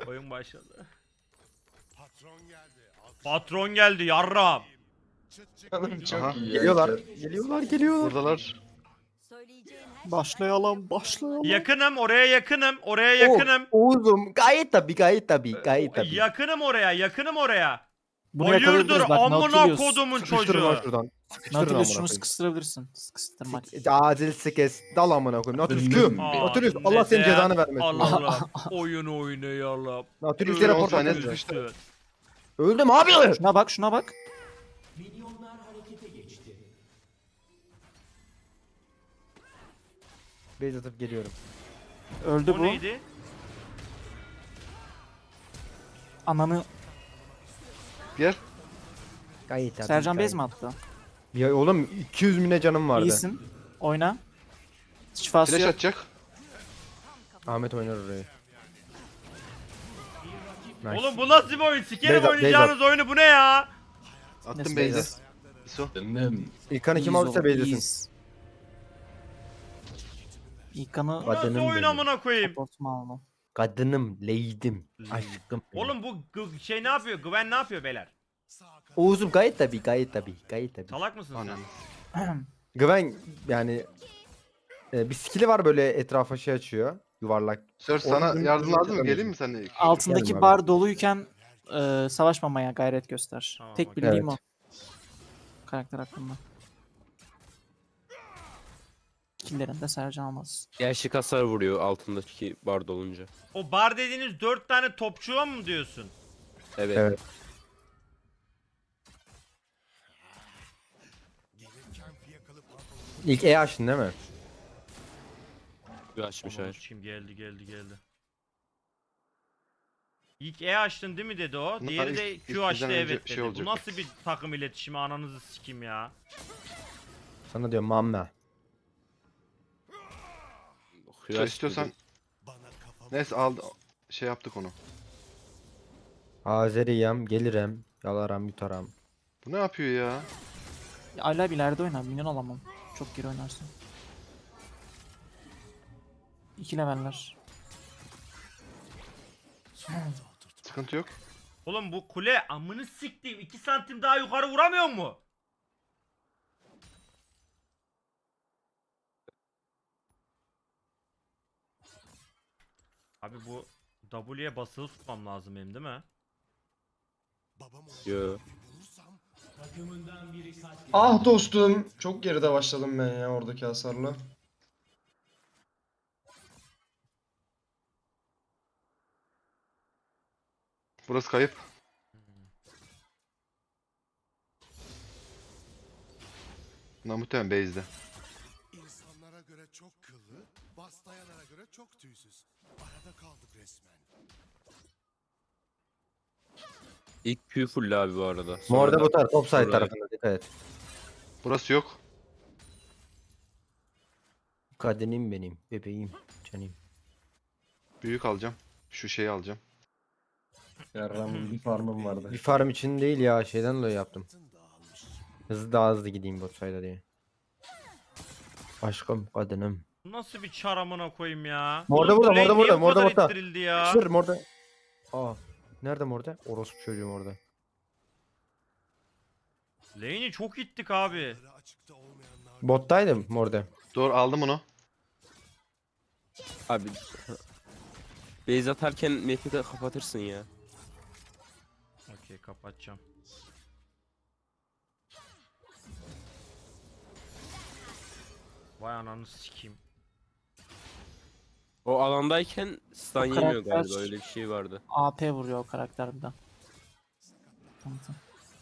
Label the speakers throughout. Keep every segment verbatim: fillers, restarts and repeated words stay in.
Speaker 1: Oyun başladı.
Speaker 2: Patron geldi. Alkış-
Speaker 1: Patron geldi yarram.
Speaker 2: Çıt çık
Speaker 3: Oğlum
Speaker 2: geliyor.
Speaker 3: çok
Speaker 4: Aha.
Speaker 3: iyi ya.
Speaker 5: Geliyorlar. Geliyorlar geliyorlar.
Speaker 4: Buradalar.
Speaker 5: Başlayalım başlayalım.
Speaker 1: Yakınım oraya yakınım oraya
Speaker 5: O-
Speaker 1: yakınım.
Speaker 5: Oğuzum gayet tabii gayet tabii gayet tabii.
Speaker 1: Yakınım oraya yakınım oraya.
Speaker 6: Bunu
Speaker 1: Hayırdır
Speaker 6: yakalayabiliriz bak
Speaker 1: amına
Speaker 6: Nautilus.
Speaker 1: kodumun
Speaker 5: Sıkıştırın lan
Speaker 1: çocuğu.
Speaker 5: şuradan. Sıkıştırın amına
Speaker 6: Nautilus şunu
Speaker 5: koyayım.
Speaker 6: sıkıştırabilirsin. Sıkıştırmak.
Speaker 5: Sik- Acil sikes. Dal amına koyayım. Nautilus Q.
Speaker 1: Aa,
Speaker 5: Nautilus Allah senin
Speaker 1: neden?
Speaker 5: cezanı vermesin.
Speaker 1: Allah oyunu oynayalım.
Speaker 5: Nautilus
Speaker 4: Dur,
Speaker 5: yere
Speaker 4: on
Speaker 5: portal
Speaker 4: saniye
Speaker 5: atıyor.
Speaker 4: sıkıştı.
Speaker 5: Öldüm abi.
Speaker 6: Şuna bak şuna bak.
Speaker 5: Beyz atıp geliyorum.
Speaker 6: Öldü
Speaker 1: O
Speaker 6: bu.
Speaker 1: neydi?
Speaker 6: Ananı.
Speaker 4: Gel.
Speaker 5: Gayet tabii.
Speaker 6: Sercan
Speaker 5: gayet.
Speaker 6: Bez mi attı?
Speaker 5: Ya oğlum iki yüz bine canım vardı.
Speaker 6: İyisin. Oyna. Şifası
Speaker 4: Flash
Speaker 6: yok.
Speaker 4: atacak.
Speaker 5: Ahmet oynar orayı. Nice.
Speaker 1: Oğlum bu nasıl bir oyun? Sikerim
Speaker 5: Beyza,
Speaker 1: oynayacağınız oyunu bu ne ya?
Speaker 4: Attım
Speaker 6: Neyse,
Speaker 4: base'e.
Speaker 5: Beyza.
Speaker 4: İso.
Speaker 3: Dındım.
Speaker 5: İlkan kim
Speaker 6: İyiyiz
Speaker 5: alırsa
Speaker 6: oğlum,
Speaker 5: beylesin.
Speaker 6: iyiyiz. İlkan'ı
Speaker 1: Bu nasıl
Speaker 5: Bacanım
Speaker 1: oyun
Speaker 5: benim.
Speaker 1: amına koyayım?
Speaker 6: supportuma alma.
Speaker 5: Kadınım, leydim, aşkım. benim.
Speaker 1: Oğlum bu g- şey ne yapıyor? Gwen ne yapıyor beyler?
Speaker 2: Sağ kanat.
Speaker 5: Oğuzum gayet tabii gayet tabii gayet tabii.
Speaker 1: Salak mısın sen?
Speaker 4: Anam.
Speaker 5: Gwen yani e, bir skill'i var böyle etrafa şey açıyor. Yuvarlak.
Speaker 4: Sir sana
Speaker 5: Oyunun
Speaker 4: yardım lazım mı?
Speaker 5: oyunun
Speaker 4: Geleyim mi seninle?
Speaker 6: Altındaki
Speaker 5: Geldim abi.
Speaker 6: bar doluyken e, savaşmamaya gayret göster.
Speaker 1: Tamam,
Speaker 6: Tek
Speaker 1: okey.
Speaker 6: bildiğim
Speaker 5: Evet.
Speaker 6: o. Karakter hakkında. Killerinde Sercan almaz.
Speaker 7: Gerçek hasar vuruyor altındaki bar dolunca.
Speaker 1: O bar dediğiniz dört tane topçuğa mı diyorsun?
Speaker 7: Evet.
Speaker 5: Evet.
Speaker 2: Gelirken fiyakalı pantolonu.
Speaker 5: İlk E açtın değil mi?
Speaker 7: Bir açmış
Speaker 1: Aman
Speaker 7: hayır.
Speaker 1: sikeyim, geldi geldi geldi. İlk E açtın değil mi dedi o.
Speaker 4: Bunlar
Speaker 1: Diğeri
Speaker 4: ilk-
Speaker 1: de
Speaker 4: ilk
Speaker 1: Q açtı
Speaker 4: bizden önce
Speaker 1: evet
Speaker 4: şey
Speaker 1: dedi. Bu
Speaker 4: olacak.
Speaker 1: nasıl bir takım iletişimi ananızı sikeyim ya.
Speaker 5: Sana diyorum mamme.
Speaker 4: Sir istiyorsan.
Speaker 2: Bana kafamı.
Speaker 4: Neyse aldı. Şey yaptık onu.
Speaker 5: Azeriyem, gelirim, yalaram, yutaram.
Speaker 4: Bu ne yapıyor ya?
Speaker 6: Ya Hala bir ileride oynar. Minyon alamam. Çok geri oynarsın. İki leveller.
Speaker 4: Sıkıntı yok.
Speaker 1: Oğlum bu kule amını siktiğim iki santim daha yukarı vuramıyor mu? Abi bu W'ye basılı tutmam lazım benim değil mi?
Speaker 2: Babam olacak
Speaker 7: Yo.
Speaker 2: bir bulursam.
Speaker 3: Ah dostum. Çok geride başladım ben ya oradaki hasarla.
Speaker 4: Burası kayıp. Bunlar muhtemelen base'de.
Speaker 2: İnsanlara göre çok kıllı, baslayanlara göre çok tüysüz. Arada kaldık resmen.
Speaker 7: İlk Q full abi bu arada. Sonra
Speaker 5: Morda
Speaker 7: da-
Speaker 5: bu taraf, top side
Speaker 7: Oraya.
Speaker 5: tarafında dikkat et.
Speaker 4: Burası yok.
Speaker 5: Kadenim benim, bebeğim, canım.
Speaker 4: Büyük alacağım. Şu şeyi alacağım.
Speaker 3: Yarram bir farmım vardı.
Speaker 5: Bir farm için değil ya, şeyden dolayı yaptım.
Speaker 2: Tın dağılmış.
Speaker 5: Hızlı daha hızlı gideyim bot side'a diye. Aşkım, kadınım.
Speaker 1: Bu nasıl bir çar amına koyayım ya?
Speaker 5: Morda
Speaker 1: Oğlum
Speaker 5: burada,
Speaker 1: kule
Speaker 5: morda
Speaker 1: niye
Speaker 5: burada,
Speaker 1: bu
Speaker 5: morda
Speaker 1: kadar
Speaker 5: burada.
Speaker 1: ittirildi ya?
Speaker 5: Sır morda. Aa, nerede morda? Orospu çocuğum orada.
Speaker 1: Lane'i çok ittik abi.
Speaker 2: Yarı açıkta olmayanlar.
Speaker 5: Bottaydım morda.
Speaker 4: Doğru aldım onu.
Speaker 7: Abi. Base atarken map'i de kapatırsın ya.
Speaker 1: Okey kapatacağım. Vay ananı sikeyim.
Speaker 7: O alandayken stun
Speaker 6: O
Speaker 7: yemiyor
Speaker 6: karakter-
Speaker 7: galiba öyle bir şey vardı.
Speaker 6: A P vuruyor o karakter bir de. Tamam tamam.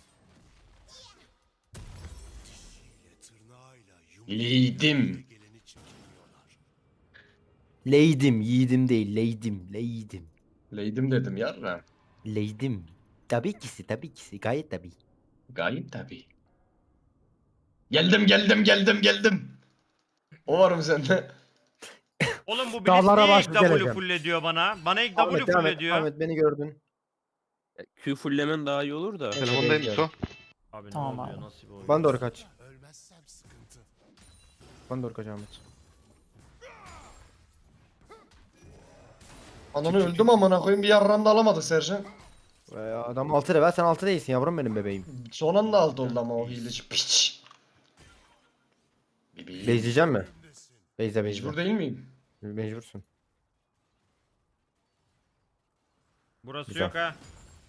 Speaker 2: Tırnağıyla
Speaker 3: Yiğidim.
Speaker 2: geleni çekiliyorlar.
Speaker 5: Leydim, yiğidim değil, leydim, leydim.
Speaker 3: Leydim dedim yarram.
Speaker 5: Leydim. Tabii kisi, tabii kisi, gayet tabii.
Speaker 3: Gayet tabii. Geldim geldim geldim geldim. O var mı sende?
Speaker 1: Oğlum bu Blitz
Speaker 5: Dağlara
Speaker 1: niye ilk
Speaker 5: başlı
Speaker 1: W
Speaker 5: geleceğim.
Speaker 1: full ediyor bana? Bana ilk
Speaker 5: Ahmet,
Speaker 1: W full
Speaker 5: Ahmet,
Speaker 1: ediyor.
Speaker 5: Ahmet beni gördün.
Speaker 7: Q fulllemen daha iyi olur da.
Speaker 4: Telefondayım
Speaker 5: evet.
Speaker 4: İso.
Speaker 1: Abi ne
Speaker 6: Tamam
Speaker 1: oluyor
Speaker 6: abi.
Speaker 1: nasıl bir oyun?
Speaker 5: Bana doğru kaç.
Speaker 2: Ölmezsem sıkıntı.
Speaker 5: Bana doğru kaç Ahmet.
Speaker 3: Ananı öldüm amına koyayım, bir yarram da alamadık Sercan.
Speaker 5: Ee, adam altı level, sen altı değilsin yavrum benim bebeğim.
Speaker 3: Son anda altı oldu ama o hileci piç. Bebeğim.
Speaker 5: Bezleyecek mi? Bezle bezle.
Speaker 3: Mecbur değil miyim?
Speaker 5: Mecbursun.
Speaker 1: Burası
Speaker 5: Güzel.
Speaker 1: yok ha.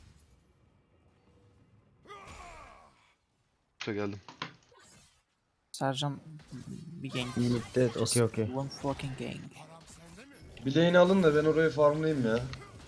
Speaker 4: Şöyle geldim.
Speaker 6: Sercan bir gank.
Speaker 5: Mid'de
Speaker 6: Just
Speaker 5: okey okey.
Speaker 6: One fucking gank.
Speaker 3: Bir lane'i alın da ben orayı farmlayayım ya.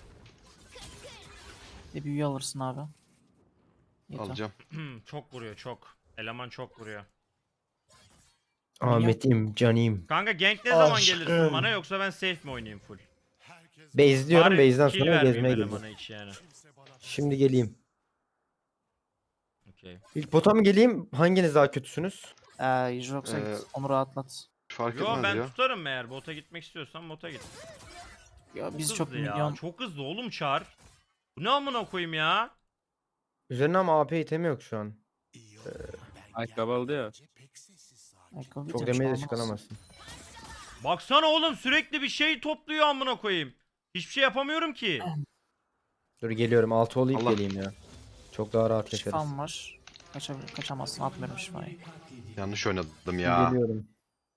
Speaker 6: Bir büyü alırsın abi. Yeter.
Speaker 4: Alacağım.
Speaker 1: Çok vuruyor çok. Eleman çok vuruyor.
Speaker 5: Ahmet'im, canım.
Speaker 1: Kanka gank ne zaman
Speaker 3: Aşkım.
Speaker 1: gelirsin bana yoksa ben safe mi oynayayım full?
Speaker 5: Bezliyorum,
Speaker 1: Bari
Speaker 5: base'den
Speaker 1: kill
Speaker 5: sonra
Speaker 1: vermeyeyim
Speaker 5: gezmeye
Speaker 1: elemana
Speaker 5: geleceğim.
Speaker 1: hiç yani.
Speaker 5: Şimdi geleyim.
Speaker 1: Okey.
Speaker 5: İlk bota mı geleyim? Hanginiz daha kötüsünüz?
Speaker 6: Ee, yoksa
Speaker 4: Ee,
Speaker 6: git onu rahatlat.
Speaker 4: Fark
Speaker 1: Yo
Speaker 4: etmez
Speaker 1: ben
Speaker 4: ya.
Speaker 1: tutarım eğer bota gitmek istiyorsan bota git.
Speaker 6: Ya biz
Speaker 1: Hızlı
Speaker 6: çok
Speaker 1: ya.
Speaker 6: milyon
Speaker 1: Çok hızlı oğlum Çar. Bu ne amına koyayım ya?
Speaker 5: Üzerine ama A P itemi yok şu an.
Speaker 7: Ayakkabı aldı ya.
Speaker 6: ayakkabı
Speaker 5: Çok
Speaker 6: bitirmiş
Speaker 5: demeye de
Speaker 6: olmaz.
Speaker 5: çıkamazsın.
Speaker 1: Baksana oğlum sürekli bir şey topluyor amına koyayım. Hiçbir şey yapamıyorum ki.
Speaker 5: Dur geliyorum. altı olayım
Speaker 4: Allah.
Speaker 5: geleyim ya. Çok daha rahat geçeriz.
Speaker 6: Şifam var. Kaçabilir, kaçamazsın. Atmıyorum şifayı.
Speaker 4: Yanlış oynadım ya.
Speaker 5: Geliyorum.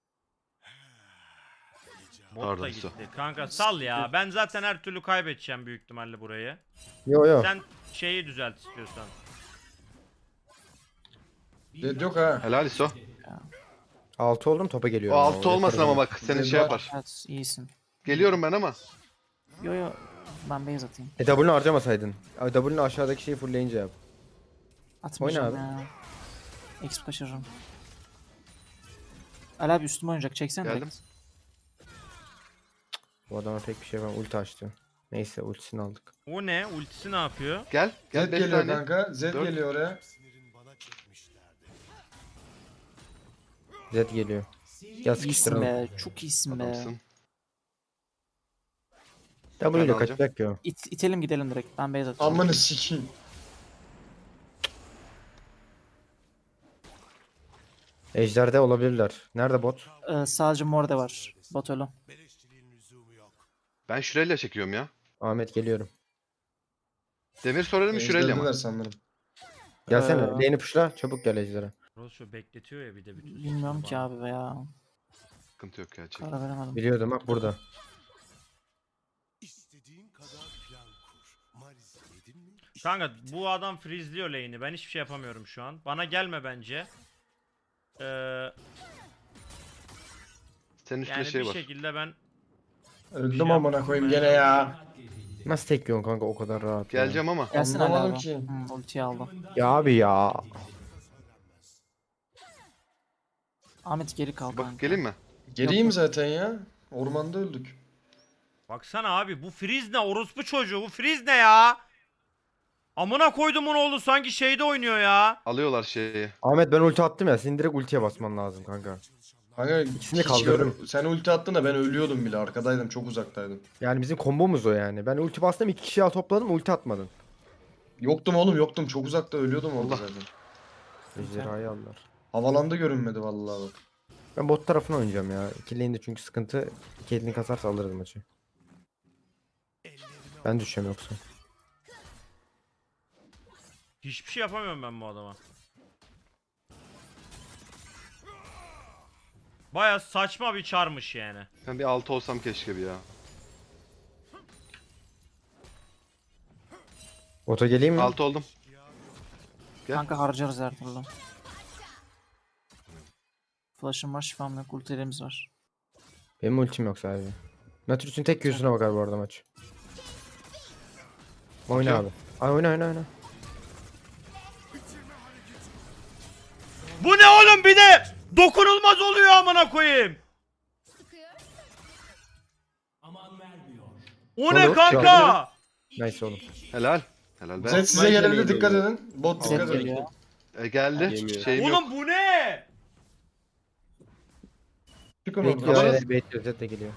Speaker 1: Bot
Speaker 4: Pardon,
Speaker 1: da
Speaker 4: Su.
Speaker 1: gitti. Kanka sal ya. Ben zaten her türlü kaybedeceğim büyük ihtimalle burayı.
Speaker 5: Yo yo.
Speaker 1: Sen şeyi düzelt istiyorsan.
Speaker 3: Dead yok ha.
Speaker 4: Helal İso.
Speaker 5: altı oldum, topa
Speaker 4: O
Speaker 5: geliyorum.
Speaker 4: altı olmasın ama bak seni şey yapar.
Speaker 6: Evet iyisin.
Speaker 4: Geliyorum ben ama.
Speaker 6: Yo yo ben base atayım.
Speaker 5: E W'nu harcamasaydın. Ay, W'nu aşağıdaki şeyi fullleyince yap.
Speaker 6: Atmayacağım
Speaker 5: Oyna
Speaker 6: ya. Exp kaçırırım. Ali abi üstüme oynayacak. Çeksen
Speaker 4: Geldim.
Speaker 6: direkt.
Speaker 5: Bu adama pek bir şey var. Ulti açtı. Neyse ultisini aldık.
Speaker 1: O ne? Ultisi ne yapıyor?
Speaker 4: Gel. Gel
Speaker 3: Zed
Speaker 4: beş
Speaker 3: geliyor
Speaker 4: tane.
Speaker 3: kanka. Zed
Speaker 4: Dört.
Speaker 3: geliyor oraya.
Speaker 5: Zed geliyor. Gel
Speaker 6: İyisin
Speaker 5: sıkıştıralım.
Speaker 6: be. Çok iyisin be.
Speaker 4: Adamsın.
Speaker 5: W
Speaker 4: Ben
Speaker 5: ile
Speaker 4: alacağım.
Speaker 5: kaçacak ki o.
Speaker 6: İt, itelim gidelim direkt. Ben base atacağım.
Speaker 3: Amını sikeyim.
Speaker 5: Ejder'de olabilirler. Nerede bot?
Speaker 6: Ee, sadece morde var. Bot ölü.
Speaker 4: Ben Şurelya çekiyorum ya.
Speaker 5: Ahmet geliyorum.
Speaker 4: Demir sorarım mı Şurelya
Speaker 3: Ezberdiler
Speaker 4: mı?
Speaker 3: sanırım.
Speaker 5: Gelsene.
Speaker 6: Ee.
Speaker 5: Lane'i pushla. Çabuk gel Ejder'e.
Speaker 1: Rosso bekletiyor ya bir de bütün.
Speaker 6: Bilmiyorum ki abi veya.
Speaker 4: Sıkıntı yok ya çek.
Speaker 6: Karar veremedim.
Speaker 5: Biliyordum bak burada.
Speaker 2: İstediğin kadar plan kur. Maris yedin mi?
Speaker 1: Kanka bu adam freezeliyor lane'i. Ben hiçbir şey yapamıyorum şu an. Bana gelme bence. Ee,
Speaker 4: Senin üstünde
Speaker 1: yani
Speaker 4: şey
Speaker 1: bir
Speaker 4: var.
Speaker 1: şekilde ben
Speaker 3: Öldüm
Speaker 1: şey
Speaker 3: amına koyayım gene ya.
Speaker 5: Nasıl tek yiyorsun kanka o kadar rahat ya?
Speaker 4: Geleceğim ama.
Speaker 6: Gelsin Ali
Speaker 3: Anlamadım
Speaker 6: abi.
Speaker 3: ki.
Speaker 6: Hı, ultiyi aldı.
Speaker 5: Ya abi ya.
Speaker 6: Ahmet geri kal kanka.
Speaker 4: Bak geleyim mi?
Speaker 3: Geleyim zaten ya. Ormanda öldük.
Speaker 1: baksana abi bu freeze ne? Orospu çocuğu. Bu freeze ne ya? Amına koydum onu oğlu sanki şeyde oynuyor ya.
Speaker 4: Alıyorlar şeyi.
Speaker 5: Ahmet ben ulti attım ya. Senin direkt ultiye basman lazım kanka.
Speaker 3: Kanka
Speaker 5: İkisini
Speaker 3: hiç
Speaker 5: kaldırdım.
Speaker 3: gör- Sen ulti attın da ben ölüyordum bile. Arkadaydım, çok uzaktaydım.
Speaker 5: Yani bizim kombomuz o yani. Ben ulti bastım, iki kişi topladım, ulti atmadın.
Speaker 3: Yoktum oğlum, yoktum. Çok uzakta ölüyordum orada
Speaker 4: Allah.
Speaker 3: zaten.
Speaker 5: Ejderhayı aldılar.
Speaker 3: Havalanda görünmedi vallahi bak.
Speaker 5: Ben bot tarafına oynayacağım ya. İki lane'de çünkü sıkıntı. İki elini kasarsa alırız maçı. Ben düşeceğim yoksa.
Speaker 1: Hiçbir şey yapamıyorum ben bu adama. Baya saçma bir çarmış yani.
Speaker 4: Ben bir altı olsam keşke bir ya.
Speaker 5: Bota geleyim mi?
Speaker 4: Altı oldum. Gel.
Speaker 6: Kanka harcarız her türlü. Flash'ım var, şifam yok, ultilerimiz var.
Speaker 5: Benim ultim yok sadece. Natürüs'ün tek Q'suna bakar bu arada maç. Oyna
Speaker 4: Bakıyor.
Speaker 5: abi. Ay oyna oyna oyna.
Speaker 1: Bu ne oğlum bir de dokunulmaz oluyor amına koyayım. O ne
Speaker 5: Olur,
Speaker 1: kanka?
Speaker 5: Nice oğlum.
Speaker 4: Helal. Helal be.
Speaker 3: Zed size gelebilir, dikkat edin. Bot
Speaker 6: Zed
Speaker 3: dikkat edin.
Speaker 6: geliyor.
Speaker 4: E, geldi.
Speaker 7: Yemiyor.
Speaker 4: Şeyim yok.
Speaker 1: Oğlum bu ne?
Speaker 3: Çıkın
Speaker 5: Bekliyor,
Speaker 3: oradan.
Speaker 5: evet, bekliyor. Zed de geliyor.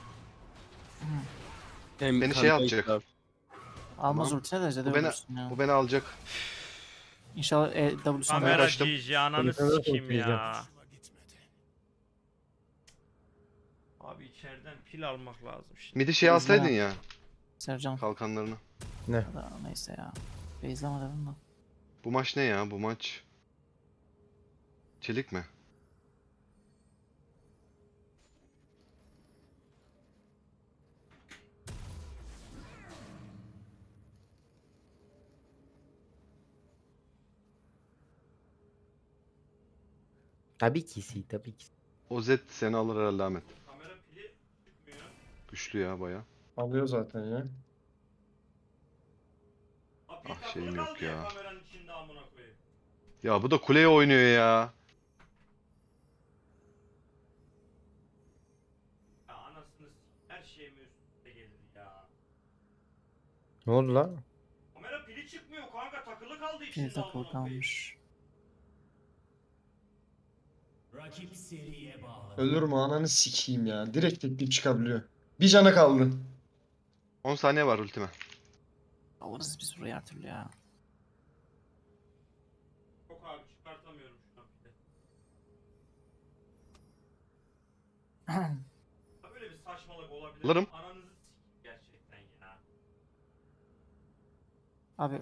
Speaker 7: Hem
Speaker 4: Beni şey
Speaker 7: kanka
Speaker 4: atacak.
Speaker 7: işte.
Speaker 6: Almaz
Speaker 4: Tamam.
Speaker 6: ultine de Zed'e
Speaker 4: Bu beni,
Speaker 6: ölürsün ya.
Speaker 4: bu beni alacak.
Speaker 6: İnşallah e, W'sunu
Speaker 1: Kamera
Speaker 4: kaçtım.
Speaker 1: G G ananı
Speaker 5: Kamera
Speaker 1: sikeyim
Speaker 5: okuyacağım.
Speaker 1: ya. Abi içeriden pil almak lazım şimdi.
Speaker 4: Midi şey alsaydın ya.
Speaker 6: Sercan.
Speaker 4: kalkanlarını.
Speaker 6: Ya da neyse ya. Beyzlama dedim de.
Speaker 4: Bu maç ne ya? Bu maç çelik mi?
Speaker 5: Tabii ki si, tabii ki.
Speaker 4: O Z seni alır herhalde Ahmet.
Speaker 1: Kamera pili çıkmıyor.
Speaker 4: Güçlü ya baya.
Speaker 3: Alıyor zaten ya.
Speaker 1: Abi
Speaker 4: Ah,
Speaker 1: takılı
Speaker 4: şeyim yok
Speaker 1: kaldı
Speaker 4: ya.
Speaker 1: Kameranın içinde amına koyayım.
Speaker 4: Ya bu da kuleye oynuyor ya.
Speaker 1: Ya anasını s- her şeyime üstüne gelir ya.
Speaker 5: Ne oldu lan?
Speaker 1: Kamera pili çıkmıyor kanka, takılı kaldı
Speaker 6: Pil
Speaker 1: içinde
Speaker 6: takılı
Speaker 1: amına koyayım.
Speaker 6: kalmış.
Speaker 3: Ölür mü ananı sikeyim ya. Direkt teklif çıkabiliyor. Bir cana kaldı.
Speaker 4: on saniye var ultime.
Speaker 6: Alırız biz burayı her türlü ya.
Speaker 1: Yok abi, çıkartamıyorum şu an pili. Ya böyle bir saçmalık olabilir.
Speaker 4: Alırım.
Speaker 1: Ananızı s- gerçekten ya.
Speaker 6: Abi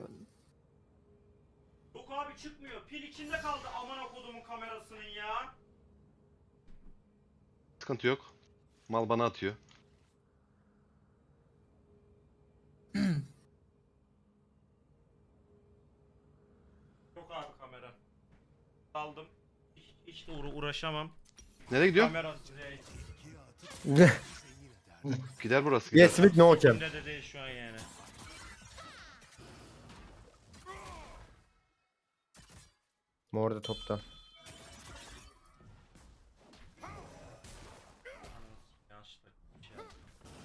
Speaker 1: Yok abi, çıkmıyor. Pil içinde kaldı amına kodumun kamerasının ya.
Speaker 4: Sıkıntı yok. Mal bana atıyor.
Speaker 1: Yok abi kamera. Aldım. Hiç, hiç de uğra- uğraşamam.
Speaker 4: Nereye gidiyor?
Speaker 1: Kamera direkt.
Speaker 4: Gider burası gider.
Speaker 5: Yes with no cam.
Speaker 1: Kimde de değil şu an yani.
Speaker 5: Mor da topta.
Speaker 1: Yanlışlıkla bir şey yaptım.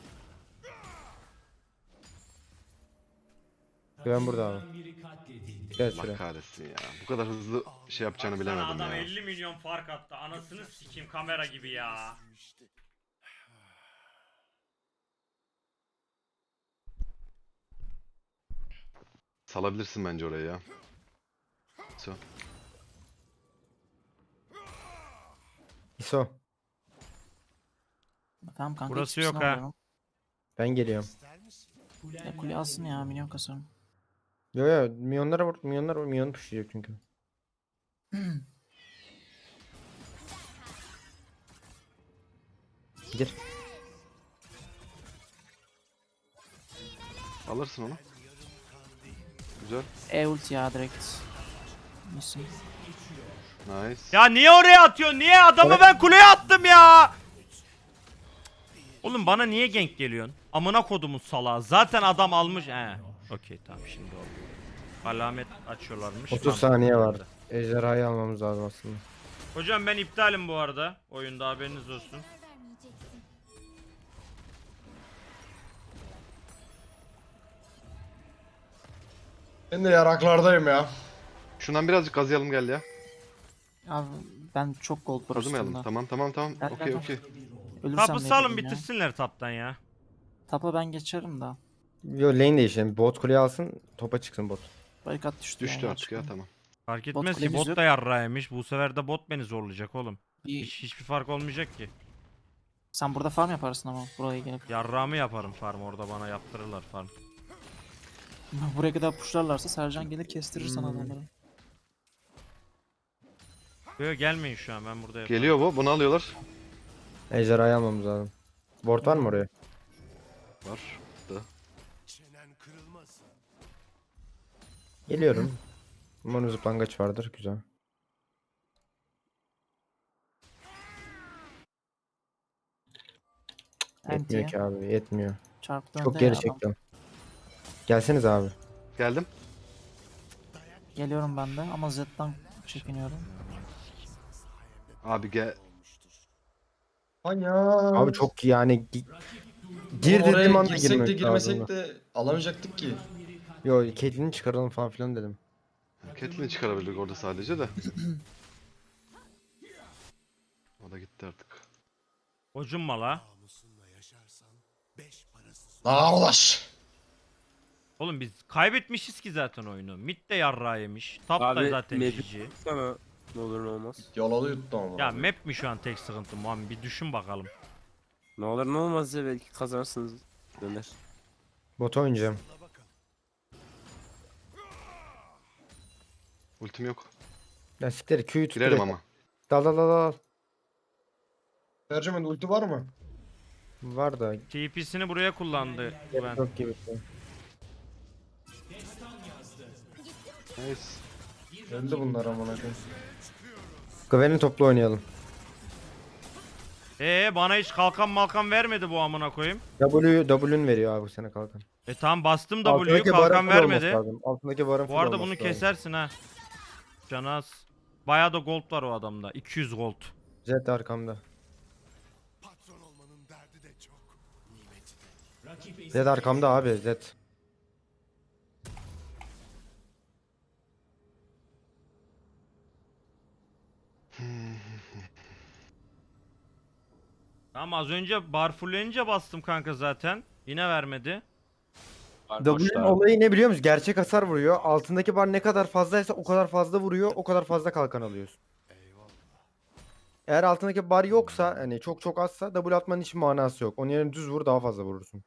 Speaker 5: Güven burada abi. Gel
Speaker 4: Allah
Speaker 5: şuraya.
Speaker 4: kahretsin ya. Bu kadar hızlı şey yapacağını
Speaker 1: Baksana,
Speaker 4: bilemedim
Speaker 1: adam
Speaker 4: ya.
Speaker 1: elli milyon fark attı. Anasını sikeyim, kamera gibi ya.
Speaker 4: Salabilirsin bence oraya ya. So.
Speaker 5: İso.
Speaker 6: tamam kanka.
Speaker 1: Burası
Speaker 6: hiçbirisini
Speaker 1: yok ha.
Speaker 6: alıyorum.
Speaker 5: Ben geliyorum.
Speaker 2: İster misin?
Speaker 6: Ya kule alsın ya, minyon kasarım.
Speaker 5: Yo yo milyonlara vur. Milyonlar vur. Milyon pushlayacak çünkü. Gir.
Speaker 4: Alırsın onu. Güzel.
Speaker 6: E ulti ya direkt. Misin?
Speaker 4: Nice.
Speaker 1: Ya niye oraya atıyorsun? Niye? Adamı ben kuleye attım ya. Oğlum bana niye gank geliyorsun? Amına kodumun salağı. Zaten adam almış. He. Okey tamam, şimdi oldu. Alamet açıyorlarmış.
Speaker 5: otuz
Speaker 1: Tamam.
Speaker 5: saniye var. Ejderhayı almamız lazım aslında.
Speaker 1: Hocam ben iptalim bu arada. Oyunda haberiniz olsun.
Speaker 3: Ben de yaraklardayım ya.
Speaker 4: Şundan birazcık gazlayalım gel ya.
Speaker 6: Abi ben çok gold var
Speaker 4: Kazımayalım.
Speaker 6: üstümde.
Speaker 4: Tamam tamam tamam.
Speaker 6: Gel,
Speaker 4: Okey
Speaker 6: gel,
Speaker 4: okey.
Speaker 6: Ölürsem
Speaker 1: Tapı
Speaker 6: ne
Speaker 1: salın,
Speaker 6: bileyim ya.
Speaker 1: bitirsinler taptan ya.
Speaker 6: Tapa ben geçerim da.
Speaker 5: Yo lane değişelim. Bot kuleyi alsın. Topa çıksın bot.
Speaker 6: Barikat düştü.
Speaker 4: Düştü
Speaker 6: yani,
Speaker 4: artık ya
Speaker 6: çıkalım.
Speaker 4: tamam.
Speaker 1: Fark
Speaker 6: Bot
Speaker 1: etmez ki,
Speaker 6: kulemiz
Speaker 1: bot
Speaker 6: yok.
Speaker 1: da yarrağıymış. Bu sefer de bot beni zorlayacak oğlum.
Speaker 6: Bir-
Speaker 1: Hiç, hiçbir fark olmayacak ki.
Speaker 6: Sen burada farm yaparsın ama buraya gelip.
Speaker 1: Yarrağımı yaparım farm, orada bana yaptırırlar farm.
Speaker 6: Buraya kadar pushlarlarsa Sercan gelir kestirir sana
Speaker 5: Hmm.
Speaker 6: adamları.
Speaker 1: Böyle gelmeyin şu an, ben burada yaparım.
Speaker 4: Geliyor bu. Bunu alıyorlar.
Speaker 5: Ejderhayı almamız lazım. Ward var mı oraya?
Speaker 4: Var. Da.
Speaker 2: Çenen kırılmasın.
Speaker 5: Geliyorum. Umarım zıplangaç vardır. Güzel. Yetmiyor
Speaker 6: Anti'ye
Speaker 5: ki abi. Yetmiyor.
Speaker 6: çarptı
Speaker 5: Çok
Speaker 6: önde
Speaker 5: geri
Speaker 6: ya adam.
Speaker 5: çektim. Gelseniz abi.
Speaker 4: Geldim.
Speaker 6: Geliyorum ben de ama Zed'den çekiniyorum.
Speaker 4: Abi gel.
Speaker 3: Anya.
Speaker 5: Abi çok yani gi- gir
Speaker 3: Oraya
Speaker 5: dediğim anda
Speaker 3: girsek de
Speaker 5: girmek
Speaker 3: girmesek
Speaker 5: lazım.
Speaker 3: de alamayacaktık ki.
Speaker 5: Yo Caitlyn'i çıkaralım falan filan dedim.
Speaker 4: Catelyn'i çıkarabilirdik orada sadece de. O da gitti artık.
Speaker 1: Hocumma la.
Speaker 2: Namusunla yaşarsan beş parasız.
Speaker 3: Lan ulaş.
Speaker 1: Oğlum biz kaybetmişiz ki zaten oyunu. Mid de yarrağı yemiş. Top da
Speaker 7: Abi,
Speaker 1: zaten
Speaker 7: map-
Speaker 1: G G.
Speaker 7: Sana ne olur ne olmaz.
Speaker 3: Yalalı yuttu ama.
Speaker 1: Ya map mi şu an tek sıkıntı Muhammed? Bir düşün bakalım.
Speaker 7: Ne olur ne olmaz ya belki kazanırsınız. Döner.
Speaker 5: Bota oynayacağım.
Speaker 4: Ultim yok.
Speaker 5: Ya siktir Q'yu tut
Speaker 4: Girerim
Speaker 5: direkt.
Speaker 4: ama.
Speaker 5: Dal dal dal dal.
Speaker 3: Ercüment ulti var mı?
Speaker 5: Var da.
Speaker 1: T P'sini buraya kullandı Gwen.
Speaker 5: Yok gibi.
Speaker 4: Nice.
Speaker 3: Öldü bunlar amına koyayım.
Speaker 5: Gwen'i toplu oynayalım.
Speaker 1: Ee bana hiç kalkan malkan vermedi bu amına koyayım.
Speaker 5: W W'ün veriyor abi sana kalkan.
Speaker 1: E tamam bastım W'yu
Speaker 5: Altındaki barın
Speaker 1: kalkan
Speaker 5: full
Speaker 1: vermedi.
Speaker 5: olması lazım. Altındaki barın
Speaker 1: Bu
Speaker 5: full
Speaker 1: arada
Speaker 5: olması
Speaker 1: bunu
Speaker 5: lazım.
Speaker 1: kesersin ha. Canaz. Bayağı da gold var o adamda. iki yüz gold.
Speaker 5: Zed arkamda.
Speaker 2: Patron olmanın derdi de çok. Nimeti de.
Speaker 5: Zed arkamda abi Zed.
Speaker 1: Tamam az önce bar fullenince bastım kanka zaten. Yine vermedi.
Speaker 5: W'nin olayı ne biliyor musun? Gerçek hasar vuruyor. Altındaki bar ne kadar fazlaysa o kadar fazla vuruyor. O kadar fazla kalkan alıyorsun.
Speaker 2: Eyvallah.
Speaker 5: Eğer altındaki bar yoksa hani çok çok azsa W atmanın hiç manası yok. Onun yerine düz vur daha fazla vurursun.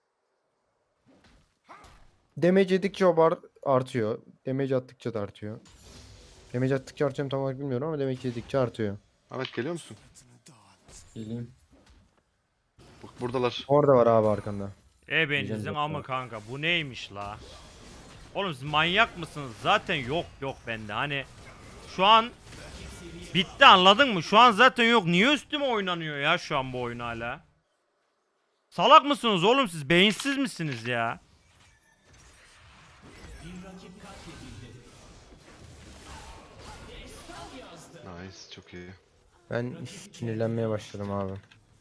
Speaker 5: Damage yedikçe o bar artıyor. Damage attıkça da artıyor. Damage attıkça artıyor mu tam olarak bilmiyorum ama damage yedikçe artıyor.
Speaker 4: Ahmet geliyor musun?
Speaker 3: Geleyim.
Speaker 4: Bak buradalar.
Speaker 5: Orada var abi arkanda.
Speaker 1: E
Speaker 5: Diyeceğim
Speaker 1: bencinizin
Speaker 5: yok
Speaker 1: ama
Speaker 5: ya.
Speaker 1: kanka bu neymiş la? Oğlum siz manyak mısınız? Zaten yok yok bende. Hani şu an bitti anladın mı? Şu an zaten yok. Niye üstüme oynanıyor ya şu an bu oyun hala? Salak mısınız oğlum siz? Beyinsiz misiniz ya?
Speaker 4: Nice çok iyi.
Speaker 5: Ben sinirlenmeye başladım abi.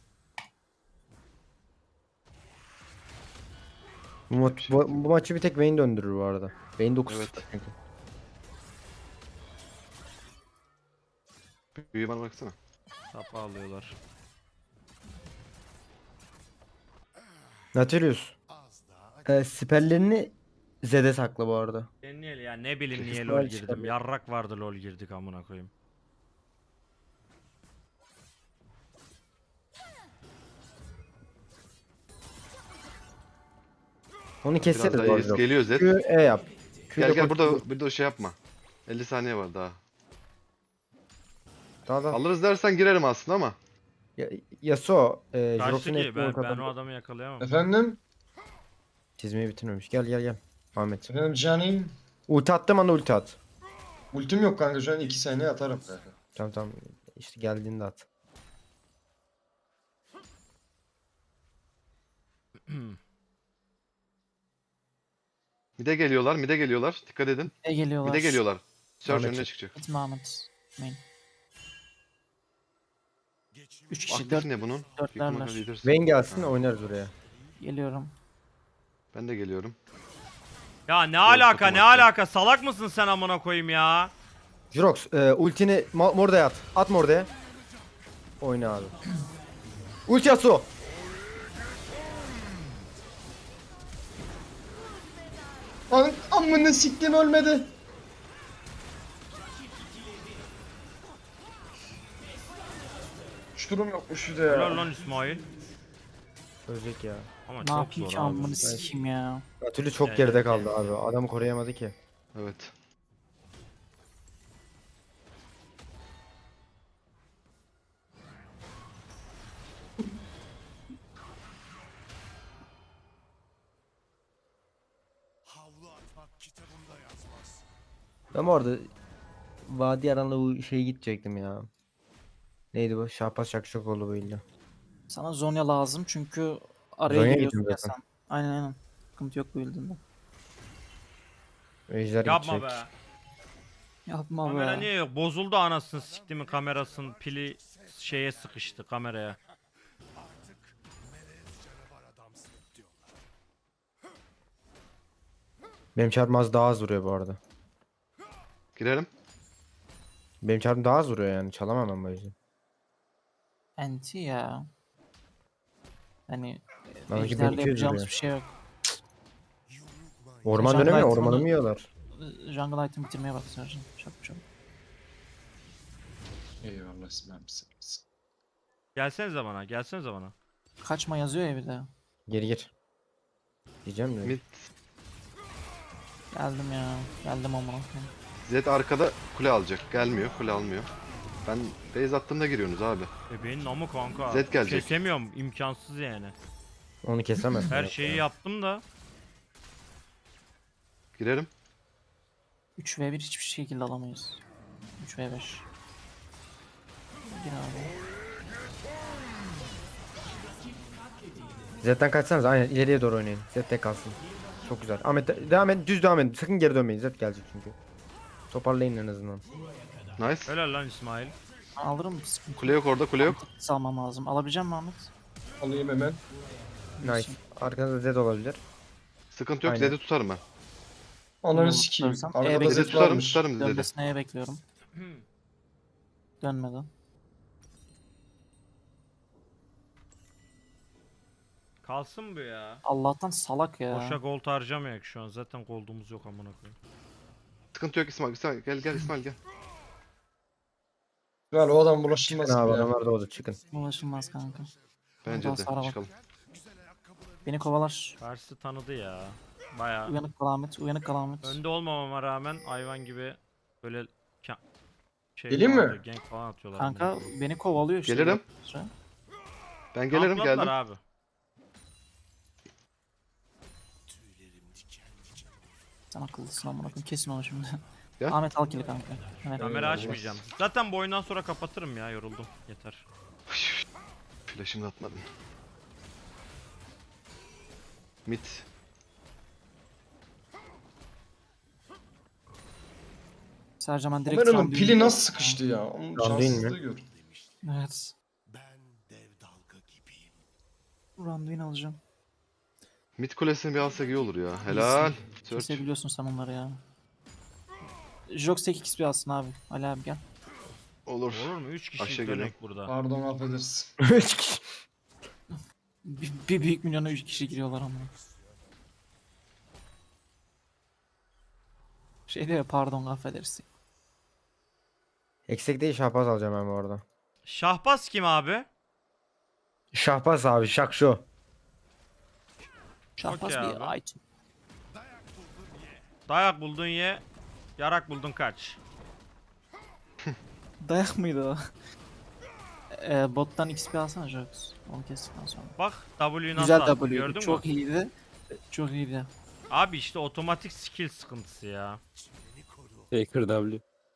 Speaker 5: Bu, ma- bu, bu maçı bir tek Vayne döndürür bu arada. Vayne dokuz
Speaker 4: Evet.
Speaker 5: çünkü.
Speaker 4: Büyüğü bana baksana.
Speaker 1: Tapa alıyorlar.
Speaker 5: Nautilus.
Speaker 2: Az daha.
Speaker 5: E, siperlerini Zed'e sakla bu arada.
Speaker 1: Ben niye ya ne bileyim niye
Speaker 5: İsmail
Speaker 1: lol girdim.
Speaker 5: çıkarıyor.
Speaker 1: Yarrak vardı lol girdik amına koyayım.
Speaker 5: Onu
Speaker 4: Biraz
Speaker 5: keseriz
Speaker 4: daha
Speaker 5: bu
Speaker 4: iyiyiz.
Speaker 5: arada.
Speaker 4: Geliyor Zed.
Speaker 5: Q, E yap. Q'da
Speaker 4: Gel gel
Speaker 5: koş-
Speaker 4: burada bir de o şey yapma. elli saniye var daha.
Speaker 5: Daha da.
Speaker 4: Alırız dersen girerim aslında ama.
Speaker 5: Ya, Yasuo. E,
Speaker 1: Kaçtı
Speaker 5: Jirox'un
Speaker 1: ki
Speaker 5: etkiini
Speaker 1: ben, ben
Speaker 5: kazandı.
Speaker 1: o adamı yakalayamam.
Speaker 3: Efendim?
Speaker 5: Çizmeyi bitirmemiş. Gel gel gel. Ahmet.
Speaker 3: Efendim canim.
Speaker 5: Ulti attım anda ulti at.
Speaker 3: Ultim yok kanka şu an iki saniye atarım kanka.
Speaker 5: Tamam tamam. İşte geldiğinde at.
Speaker 4: Mide geliyorlar, mide geliyorlar. Dikkat edin.
Speaker 6: Ne geliyorlar?
Speaker 4: Mide geliyorlar. Search
Speaker 5: Ahmet
Speaker 4: önüne
Speaker 5: çık.
Speaker 4: çıkacak.
Speaker 6: Gitme Ahmet. Main. Üç kişi
Speaker 4: Aktif
Speaker 6: dört
Speaker 4: ne bunun?
Speaker 6: dörtlerler.
Speaker 4: Yıkımı leader'sın.
Speaker 5: Vayne gelsin
Speaker 4: Ha,
Speaker 5: oynarız oraya.
Speaker 6: geliyorum.
Speaker 4: Ben de geliyorum.
Speaker 1: Ya ne alaka
Speaker 4: takım
Speaker 1: ne
Speaker 4: attı.
Speaker 1: alaka salak mısın sen amına koyayım ya?
Speaker 5: Jirox e, ultini ma- Morda'ya at. At Morda'ya. Oyna abi. Ulti Yasuo.
Speaker 3: Lan amına siktim ölmedi. Şu durum yokmuş şurada ya.
Speaker 1: Helal lan İsmail.
Speaker 5: Ölecek ya.
Speaker 1: Ama
Speaker 6: Ne
Speaker 1: çok
Speaker 6: yapayım
Speaker 1: zor
Speaker 6: ki
Speaker 1: abi.
Speaker 6: amını sikeyim ya.
Speaker 5: Atülü çok
Speaker 1: Gel,
Speaker 5: geride
Speaker 1: gel,
Speaker 5: kaldı
Speaker 1: gel.
Speaker 5: abi. Adamı koruyamadı ki.
Speaker 4: Evet.
Speaker 2: Havlu atmak kitabımda yazmaz.
Speaker 5: Ben bu arada Vadi Aran'la bu şeye gidecektim ya. Neydi bu? Şahbaz Şakşakoğlu bu illa.
Speaker 6: Sana Zonya lazım çünkü araya
Speaker 5: Zonya
Speaker 6: giriyorsun
Speaker 5: gittim
Speaker 6: ya
Speaker 5: zaten.
Speaker 6: sen. Aynen aynen. Sıkıntı yok bu build'inde.
Speaker 5: Ejder
Speaker 1: Yapma
Speaker 5: gidecek.
Speaker 1: be.
Speaker 6: Yapma
Speaker 1: Kamera
Speaker 6: be.
Speaker 1: niye yok? Bozuldu anasını siktimin kamerasının pili şeye sıkıştı kameraya.
Speaker 2: Artık melez canavar adamsın diyorlar.
Speaker 5: Benim çarpım az daha az vuruyor bu arada.
Speaker 4: Girerim.
Speaker 5: Benim çarpım daha az vuruyor yani. Çalamam ben bu yüzden.
Speaker 6: Anti ya. Hani
Speaker 5: Bana iki bin
Speaker 6: ejderle
Speaker 5: iki yüz
Speaker 6: yapacağımız
Speaker 5: vuruyor.
Speaker 6: bir şey yok.
Speaker 5: Orman
Speaker 6: Jungle
Speaker 5: dönemi
Speaker 6: item'ını-
Speaker 5: ormanı mı yiyorlar?
Speaker 6: Jungle item bitirmeye bak Sercan. Çabuk çabuk.
Speaker 3: Eyvallah İsmail misin?
Speaker 1: Gelsenize bana gelsenize bana.
Speaker 6: Kaçma yazıyor ya bir de.
Speaker 5: Geri gir. Diyeceğim de.
Speaker 4: Mid
Speaker 6: Geldim ya. Geldim amına koyayım.
Speaker 4: Zed arkada kule alacak. Gelmiyor. Kule almıyor. Ben base attığımda giriyorsunuz abi.
Speaker 1: E benim namı kanka.
Speaker 4: Zed gelecek.
Speaker 1: Kesemiyorum. İmkansız yani.
Speaker 5: Onu kesemez.
Speaker 1: Her şeyi yaptım da.
Speaker 4: Girerim.
Speaker 6: üç ve bir hiçbir şekilde alamayız. üç ve beş. Gir abi.
Speaker 5: Zed'den kaçsanız aynen ileriye doğru oynayın. Zed tek kalsın. Çok güzel. Ahmet de- devam et. Düz devam edin. Sakın geri dönmeyin. Zed gelecek çünkü. Toparlayın en azından.
Speaker 4: Nice.
Speaker 1: Helal lan İsmail.
Speaker 6: Alırım sıkıntı.
Speaker 4: Kule yok orada, kule yok.
Speaker 6: Salmam lazım. Alabilecek misin Ahmet?
Speaker 3: Alayım hemen.
Speaker 5: Nice. Arkanızda Zed olabilir.
Speaker 4: Sıkıntı yok.
Speaker 5: Aynen.
Speaker 4: Zed'i tutarım ben.
Speaker 3: Ananı
Speaker 6: Bunu
Speaker 3: sikeyim.
Speaker 6: tutarsam,
Speaker 3: Arkada
Speaker 6: evet.
Speaker 4: Zed'i
Speaker 3: Zed
Speaker 4: tutarım,
Speaker 3: varmış.
Speaker 4: tutarım Zed'i.
Speaker 6: Dönmesine bekliyorum. Dönmedi.
Speaker 1: Kalsın bu ya.
Speaker 6: Allah'tan salak ya.
Speaker 1: Boşa gold harcamayak şu an. Zaten gold'umuz yok amına koyayım.
Speaker 4: Sıkıntı yok İsmail. İsmail gel gel İsmail gel.
Speaker 3: Ver o adam bulaşılmaz
Speaker 5: Çıkın abi
Speaker 3: gibi ya.
Speaker 5: adamlar da oldu çıkın.
Speaker 6: Ulaşılmaz kanka.
Speaker 4: Bence
Speaker 6: Buradan
Speaker 4: de
Speaker 6: sağa bak.
Speaker 4: çıkalım.
Speaker 6: Beni kovalar.
Speaker 1: Karşı tanıdı ya. Baya.
Speaker 6: Uyanık kal Ahmet. Uyanık kal Ahmet.
Speaker 1: Önde olmamama rağmen hayvan gibi böyle ka- şey
Speaker 3: Geleyim
Speaker 1: falan
Speaker 3: mi?
Speaker 1: atıyor, gank falan atıyorlar.
Speaker 6: Kanka
Speaker 1: amına koyayım.
Speaker 6: beni kovalıyor işte.
Speaker 4: Gelirim.
Speaker 6: Sıra.
Speaker 4: Ben gelirim
Speaker 1: Kampladılar
Speaker 4: geldim.
Speaker 1: abi.
Speaker 6: Sen akıllısın amına koyayım. Kesin onu şimdi.
Speaker 4: Ya.
Speaker 6: Ahmet al kili kanka. Evet.
Speaker 1: Kamera açmayacağım. Zaten bu oyundan sonra kapatırım ya, yoruldum. Yeter.
Speaker 4: Flash'ımı da atmadım. Mid.
Speaker 6: Sercan ben direkt
Speaker 3: Kameranın
Speaker 6: Randuin'i-
Speaker 3: pili nasıl sıkıştı ya? Onun
Speaker 5: Randuin mi?
Speaker 3: şanssızlığı gör.
Speaker 6: Evet.
Speaker 2: Ben dev dalga gibiyim.
Speaker 6: Randuin alacağım.
Speaker 4: Mid kulesini bir alsak iyi olur ya. Helal. Search.
Speaker 6: Kesebiliyorsun sen onları ya. Jox tek X bir alsın abi. Ali abi gel.
Speaker 4: Olur.
Speaker 1: Olur mu? üç kişilik
Speaker 4: Aşağı
Speaker 1: dönek
Speaker 4: geliyorum.
Speaker 1: burada.
Speaker 3: Pardon affedersin.
Speaker 5: Üç kişi.
Speaker 6: Bir, bir büyük milyona üç kişi giriyorlar ama. Şey diyor pardon affedersin.
Speaker 5: Eksik değil Şahbaz alacağım ben bu arada.
Speaker 1: Şahbaz kim abi?
Speaker 5: Şahbaz abi şak şu.
Speaker 6: Şahbaz
Speaker 1: Okey
Speaker 6: bir
Speaker 1: abi.
Speaker 6: item.
Speaker 1: Dayak buldun ye. Yarak buldun kaç.
Speaker 6: Dayak mıydı o? Ee, bottan X P alsana Jox. Onu kestikten sonra.
Speaker 1: Bak W'yu nasıl
Speaker 6: Güzel
Speaker 1: attı,
Speaker 6: W'ydu.
Speaker 1: gördün
Speaker 6: Çok
Speaker 1: mü?
Speaker 6: iyiydi. Çok iyiydi.
Speaker 1: Abi işte otomatik skill sıkıntısı ya.
Speaker 7: Faker W.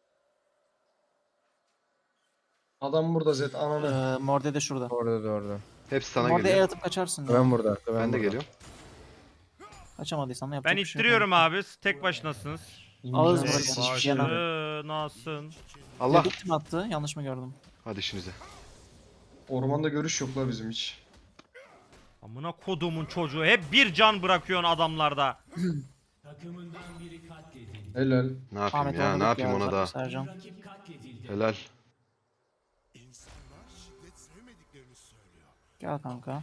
Speaker 3: Adam burada Zed ananı.
Speaker 6: Ee, Morde de şurada.
Speaker 5: Orada da orada.
Speaker 4: Hepsi sana
Speaker 6: Morde E
Speaker 4: geliyor.
Speaker 6: atıp kaçarsın.
Speaker 5: Ben
Speaker 6: ya.
Speaker 5: burada. Ben,
Speaker 4: Ben de
Speaker 5: burada.
Speaker 4: geliyorum.
Speaker 6: Kaçamadıysan da yapacak
Speaker 1: Ben
Speaker 6: bir şey yok.
Speaker 1: ittiriyorum abi. Siz tek başınasınız.
Speaker 6: Ağız
Speaker 3: İmkansız
Speaker 6: bırakın.
Speaker 3: hiçbir şey
Speaker 6: Yana.
Speaker 3: yok.
Speaker 1: Başınasın.
Speaker 4: Allah.
Speaker 6: Dedik mi attı? Yanlış mı gördüm?
Speaker 4: Hadi işinize.
Speaker 3: Ormanda görüş yok la bizim hiç.
Speaker 1: Amına kodumun çocuğu. Hep bir can bırakıyorsun adamlarda.
Speaker 3: Helal.
Speaker 4: Ne yapayım
Speaker 6: Ahmet
Speaker 4: ya?
Speaker 6: oynadık
Speaker 4: Ne yapayım
Speaker 6: ya,
Speaker 4: ona da?
Speaker 6: Sercan.
Speaker 4: Helal.
Speaker 2: İnsanlar şiddet sevmediklerini söylüyor.
Speaker 6: Gel kanka.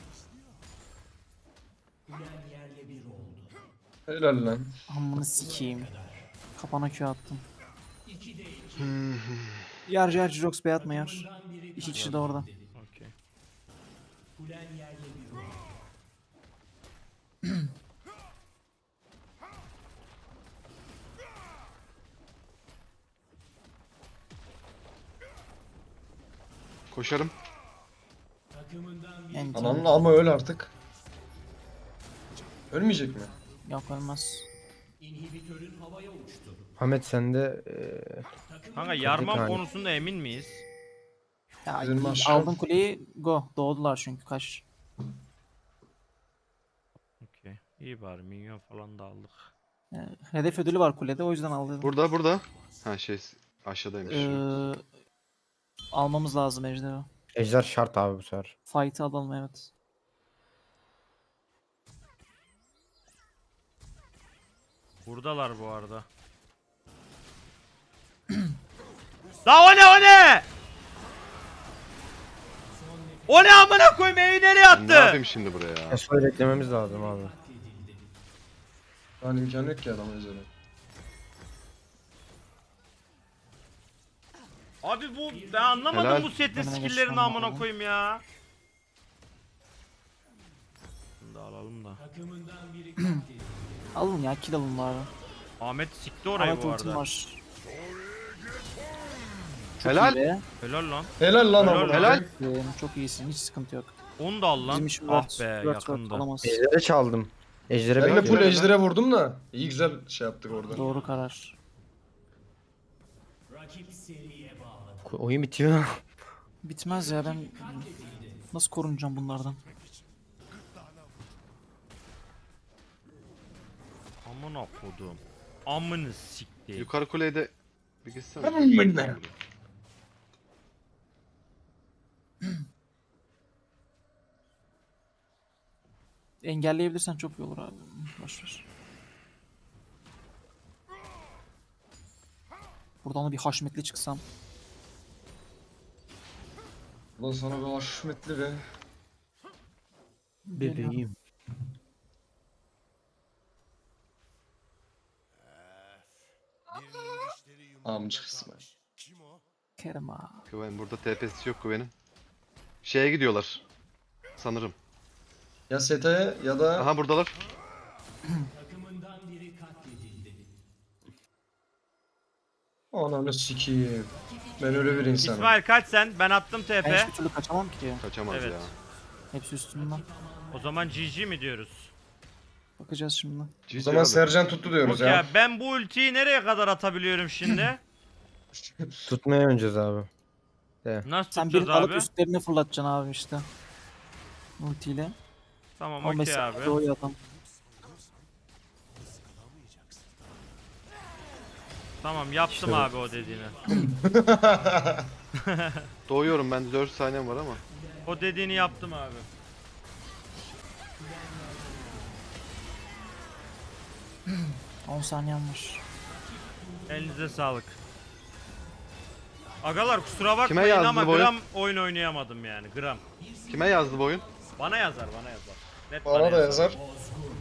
Speaker 3: Helal lan.
Speaker 6: Amını sikeyim. Kapana Q attım. Yar yar Jox bey atma yar. İki kişi de orada.
Speaker 1: Okey.
Speaker 4: Koşarım.
Speaker 6: Enti.
Speaker 3: Ananın ama öl artık. Ölmeyecek mi?
Speaker 6: Yok ölmez.
Speaker 5: Ahmet sende eee
Speaker 1: Kanka yarmam
Speaker 5: hani.
Speaker 1: konusunda emin miyiz?
Speaker 6: Ya,
Speaker 3: Bizim aşağı-
Speaker 6: aldın kuleyi go. Doğdular çünkü kaç.
Speaker 1: Okey. İyi bari minyon falan da aldık.
Speaker 6: Ee, hedef ödülü var kulede o yüzden aldım.
Speaker 4: Burada burada. Ha şey aşağıdaymış.
Speaker 6: Ee, almamız lazım ejderi.
Speaker 5: ejder şart abi bu sefer.
Speaker 6: Fight'ı alalım evet.
Speaker 1: Buradalar bu arada. La o ne o ne? O ne amına koyayım, evi nereye
Speaker 4: Ne
Speaker 1: attı?
Speaker 4: yapayım şimdi buraya ya?
Speaker 5: Esra'yı beklememiz lazım abi.
Speaker 3: Lan imkanı yok ki adama üzerine.
Speaker 1: Abi bu ben anlamadım
Speaker 4: Helal.
Speaker 1: bu setin
Speaker 6: Önüne
Speaker 1: skill'lerini
Speaker 6: geçmem
Speaker 1: amına
Speaker 6: lazım.
Speaker 1: koyayım ya. Şunu da alalım da.
Speaker 6: Alın ya, kill alın bari.
Speaker 1: Ahmet sikti orayı
Speaker 6: Ahmet
Speaker 1: bu
Speaker 6: ultim
Speaker 1: arada.
Speaker 6: var.
Speaker 4: Helal.
Speaker 6: İyi be.
Speaker 1: Helal lan.
Speaker 3: Helal lan
Speaker 1: Helal
Speaker 3: oğlum.
Speaker 1: lan.
Speaker 4: Helal.
Speaker 6: Ee, çok iyisin, hiç sıkıntı yok.
Speaker 1: Onu da al lan.
Speaker 6: Bizim işimiz
Speaker 1: Ah
Speaker 6: var.
Speaker 1: be
Speaker 6: Word, Word
Speaker 1: yakındı.
Speaker 6: alamaz.
Speaker 5: Ejder'e çaldım. Ejder'e
Speaker 3: Ben de
Speaker 5: bekliyorum.
Speaker 3: full ejdere vurdum da. İyi güzel şey yaptık orada.
Speaker 6: Doğru karar.
Speaker 5: Oyun bitiyor.
Speaker 6: Bitmez ya, ben nasıl korunacağım bunlardan?
Speaker 1: Amına kodum. Amını sikti.
Speaker 4: Yukarı kuleyi de bir geçsene.
Speaker 3: Amına.
Speaker 6: Engelleyebilirsen çok iyi olur abi. Boşver. Buradan da bir haşmetli çıksam.
Speaker 3: Ulan sana bir haşmetli be.
Speaker 5: Bebeğim.
Speaker 2: Birinin dişleri yumurta
Speaker 3: Amca kısmı.
Speaker 2: kalmış. Kim o?
Speaker 6: Kerem ağa.
Speaker 4: Güven burada T P'si yok Güven'in. Şeye gidiyorlar. Sanırım.
Speaker 3: Ya sete ya da
Speaker 4: Aha buradalar.
Speaker 3: ananı sikeyim. Ben öyle bir insanım.
Speaker 1: İsmail kaç sen? Ben attım T
Speaker 6: Ben
Speaker 1: P.
Speaker 6: hiçbir türlü kaçamam ki.
Speaker 4: Kaçamaz
Speaker 1: Evet.
Speaker 4: ya.
Speaker 6: Hepsi üstümden.
Speaker 1: O zaman G G mi diyoruz?
Speaker 6: Bakacağız şimdi.
Speaker 3: O zaman Sercan tuttu diyoruz
Speaker 1: Okey
Speaker 3: ya.
Speaker 1: abi, ben bu ultiyi nereye kadar atabiliyorum şimdi?
Speaker 5: Tutmaya öneceğiz abi.
Speaker 1: Nasıl
Speaker 6: Sen
Speaker 1: tutacağız
Speaker 6: bir alıp
Speaker 1: abi?
Speaker 6: üstlerine fırlatacaksın abi işte. Ultiyle.
Speaker 1: Tamam
Speaker 6: on beş
Speaker 1: okey abi.
Speaker 6: saniye doğuyor adam.
Speaker 1: Tamam yaptım
Speaker 5: İşte bu.
Speaker 1: abi o dediğini.
Speaker 4: Doğuyorum ben dört saniyem var ama.
Speaker 1: O dediğini yaptım abi.
Speaker 6: on saniyem var.
Speaker 1: Elinize sağlık. Agalar kusura
Speaker 4: Kime
Speaker 1: bakmayın
Speaker 4: yazdı
Speaker 1: ama
Speaker 4: bu oyun?
Speaker 1: gram oyun oynayamadım yani gram.
Speaker 4: Kime yazdı bu oyun?
Speaker 1: Bana yazar bana yazar. Net
Speaker 3: Bana da yazar.